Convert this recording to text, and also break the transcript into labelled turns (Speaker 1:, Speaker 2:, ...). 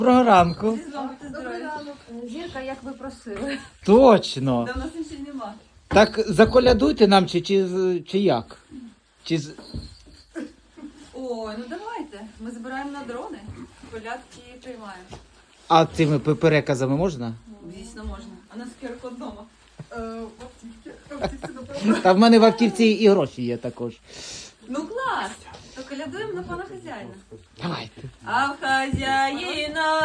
Speaker 1: Доброго ранку.
Speaker 2: Зі з вами ти здорові. Зірка, як ви просили.
Speaker 1: Точно.
Speaker 2: Да, в нас інших нема.
Speaker 1: Так заколядуйте нам чи як?
Speaker 2: Ой, ну давайте. Ми збираємо на дрони. Колядки приймаємо.
Speaker 1: А цими переказами можна?
Speaker 2: Звісно, можна. А нас QR-код вдома.
Speaker 1: Та в мене в автівці і гроші є також.
Speaker 2: Ну клас! То колядуємо на пана хазяїна.
Speaker 1: Давайте.
Speaker 2: А в хазяїна